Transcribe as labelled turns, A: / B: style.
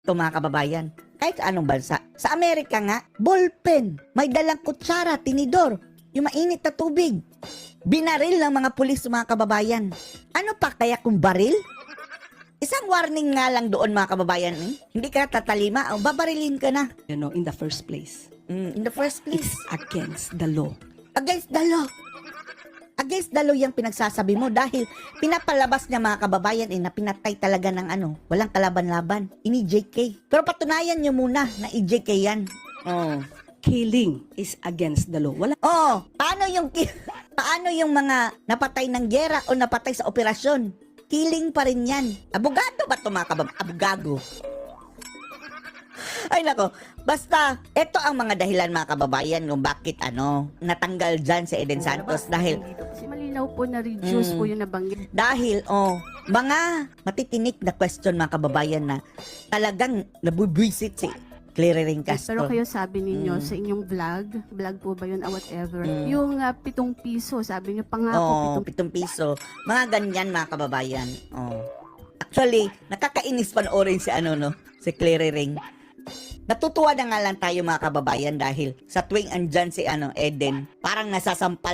A: to mga kababayan. Kahit sa anong bansa. Sa Amerika nga, ballpen. May dalang kutsara, tinidor. Yung mainit na tubig. Binaril ng mga pulis mga kababayan. Ano pa kaya kung baril? Isang warning nga lang doon mga kababayan. Hindi ka tatalima, o babarilin ka na.
B: In the first place.
A: In the first place.
B: It's against the law.
A: Against the law. Against the law yung pinagsasabi mo dahil pinapalabas niya mga kababayan na pinatay talaga ng walang kalaban-laban. Ini-JK. Pero patunayan niyo muna na i-JK yan. Oh.
B: Killing is against the law. Wala.
A: Oh, paano yung mga napatay ng gera o napatay sa operasyon? Killing pa rin yan. Abogado ba ito mga kababayan? Abogado. Ay nako, basta ito ang mga dahilan mga kababayan kung bakit natanggal dyan si Eden Santos dahil
C: Kasi malinaw po na reduce po yung nabanggit.
A: dahil mga matitinik na question mga kababayan na talagang nabubwisit si Clary Castro.
C: Pero kayo sabi ninyo sa inyong vlog po ba yun, whatever, yung 7 piso, sabi niyo pangako 7
A: 7 piso. Mga ganyan mga kababayan. Actually, nakakainis panoorin si Clary Ring. Natutuwa na nga lang tayo mga kababayan dahil sa tuwing andyan si Eden, parang nasasampal